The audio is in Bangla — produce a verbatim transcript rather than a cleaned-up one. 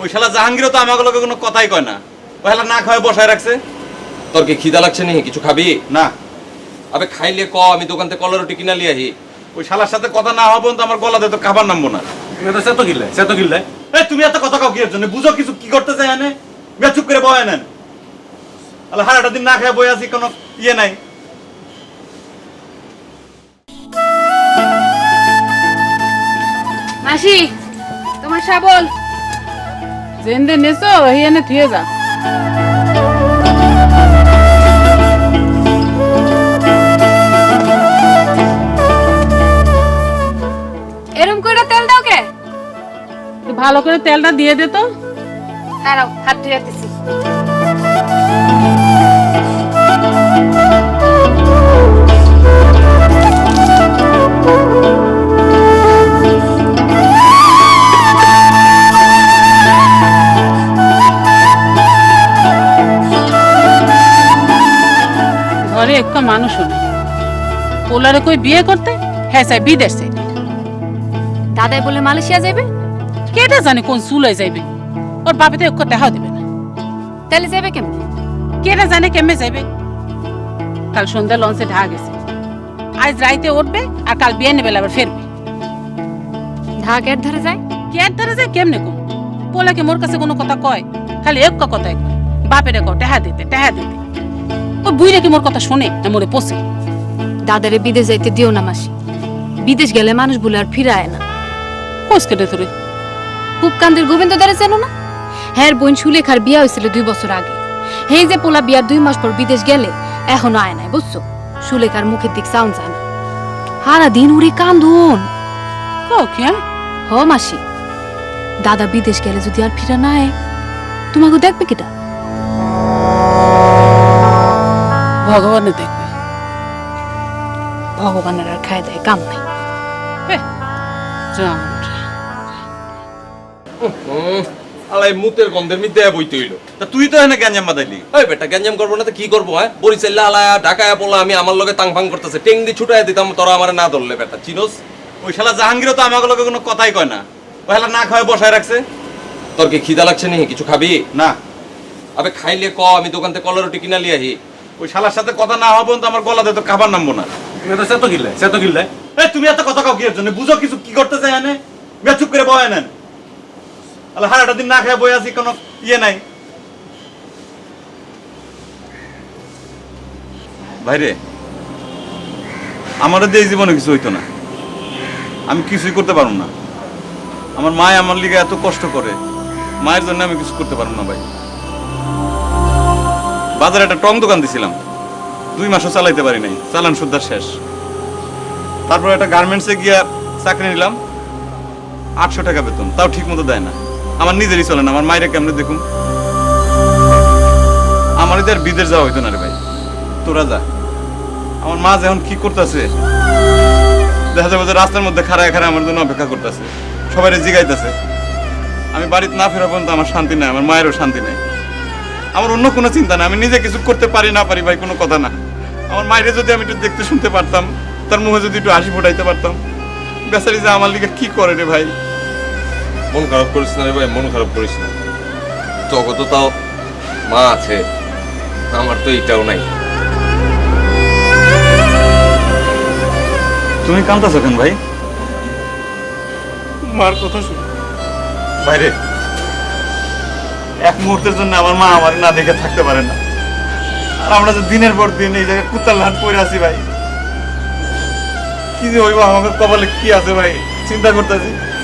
ওই শালা জাহাঙ্গীরও তো আমাকে লোকে কোনো কথাই কয় না, ওই শালা না খাওয়ায় বসায় রাখছে। তোর কি খিদা লাগছে নি? কিছু খাবি? না। আবে খাইলে ক, আমি দোকান থেকে কলা রুটি কিনা লিয়ে আহি। ওই শালার সাথে কথা না হওয়া পর্যন্ত আমার গলাতে তো খাবার নামবো না। সে তো কিনলে সে তো কিনলে এই তুমি এত কথা কাউ কি এর জন্য বুঝো কিছু কি করতে চাই এনে? বে চুপ করে বয় নেন। আলে হারাটা দিন না খেয়ে বই আছি, কোনো ইয়ে নাই। মাসি তোমার শাবল জেন্দে নেছো হিয়ানে থুয়ে যা। এরম করে তেল দাও কে? একটু ভালো করে তেলটা দিয়ে দে তো। দাঁড়াও হাত ধুয়ে দিছি। ঘরে একটা মানুষও নেই, পোলারে কই বিয়ে করতে, হ্যাঁ চাই বিদেশ চাই। দাদাই বলে মালয়েশিয়া যাবে, কেটা জানে কোন চুলাই যাইবে, ওর বাপে তো এক দেখাও দেবে না। তাহলে যাবে কেমনে? কেটা জানে কেমনে যাইবে। কাল সন্ধ্যা লঞ্চে ঢাকা গেছে, আজ রাইতে উঠবে আর কাল বিয়ে নেবে আবার ফেরবে। ঢাকের ধারে যায়, কেয়ার ধারে যায় কেমনে কম? পোলাকে মোর কাছে কোনো কথা কয়, খালি এক কথাই কয়, বাপেরে কও টেহা দিতে টেহা দিতে। ও বুইরা কি মোর কথা শোনে না মোরে পোষে? দাদারে বিদেশ যাইতে দিও না মাসি, বিদেশ গেলে মানুষ বলে আর ফিরায় না। কোষ কেটে তোরে পুপকান্দের গোবিন্দ দারে চেনো না? হ্যাঁ, বোন সুলেখার বিয়া হয়েছিল দুই বছর আগে। হে যে পোলা বিয়ার দুই মাস পর বিদেশ গেলে এখনো আয় নাই, বুঝছো? সুলেখার মুখের দিক সাউন্ড যায় না, সারা দিন উড়ে কান্দুন। কে হ মাসি, দাদা বিদেশ গেলে যদি আর ফিরা না আয়, তোমাকে দেখবে কিটা? ভগবানে দেখবে। ভগবানের আর খায় দেয় কাম নাই। জান আলাই মুতের গন্ধের মিদ্যে বইতে হইলো। তা তুই তো এনে গ্যাঞ্জাম বাদাইলি। ওই বেটা গ্যাঞ্জাম করবো না তো কি করবো? হ্যাঁ, বরিশাল্লা আলায়া ঢাকায়া পোলা আমি আমার লগে তাং ফাং করতেছে, টেং দি ছুটাই দিতাম, তোরা আমার না ধরলে বেটা চিনোস। ওই শালা জাহাঙ্গীরও তো আমাকে লোকে কোনো কথাই কয় না, ওই শালা না খাওয়ায় বসায় রাখছে। তোর কি খিদা লাগছে নি? কিছু খাবি? না। আবে খাইলে ক, আমি দোকান থেকে কলা রুটি কিনা লিয়ে আহি। ওই শালার সাথে কথা না হওয়া পর্যন্ত আমার গলাতে তো খাবার নামবো না। সে তো কিনলে সে তো কিনলে এই তুমি এত কথা কাউ কি এর জন্য বুঝো কিছু কি করতে চাই এনে? বে চুপ করে বয় নেন। আলে হারাটা দিন না খেয়ে বই আছি, কোনো ইয়ে নাই। ভাইরে, আমারও দিয়ে জীবনে কিছু হইতো না, আমি কিছুই করতে পারবো না। আমার মায় আমার লিগে এত কষ্ট করে, মায়ের জন্য আমি কিছু করতে পারবো না ভাই। বাজারে একটা টং দোকান দিছিলাম, দুই মাসও চালাইতে পারি নাই, চালান সুদ্ধার শেষ। তারপর একটা গার্মেন্টসে গিয়া চাকরি নিলাম, আটশো টাকা বেতন, তাও ঠিক মতো দেয় না। আমার নিজেরই চলে না, আমার মায়ের কেমনে দেখুন। আমার এদের বিদেশ যাওয়া হইতো না রে ভাই, তোরা যা। আমার মা যখন কি করতেছে দেখা যাবে যে রাস্তার মধ্যে খাড়ায় খাড়ায় আমার জন্য অপেক্ষা করতেছে, সবাই জিগাইতেছে। আমি বাড়িতে না ফেরা পর্যন্ত আমার শান্তি নাই, আমার মায়েরও শান্তি নাই। আমার অন্য কোনো চিন্তা নাই, আমি নিজে কিছু করতে পারি না পারি ভাই কোনো কথা না। আমার মায়ের যদি আমি একটু দেখতে শুনতে পারতাম, তার মুখে যদি একটু হাসি ফোটাইতে পারতাম। বেচারি যে আমার লিগে কি করে রে ভাই। মন খারাপ করিস না রে ভাই, মন খারাপ করিস না। জগত তাও মা আছে, আমার তো এইটাও নাই। তুমি কাঁদতেছো কেন ভাই? মার কথা শুনে বাইরে এক মুহূর্তের জন্য আমার মা আমার না দেখে থাকতে পারে না, আর আমরা যে দিনের পর দিন এই জায়গায় কুত্তার লাট পড়ে আছি ভাই। কি যে হইব, আমাদের কপালে কি আছে ভাই চিন্তা করতেছি।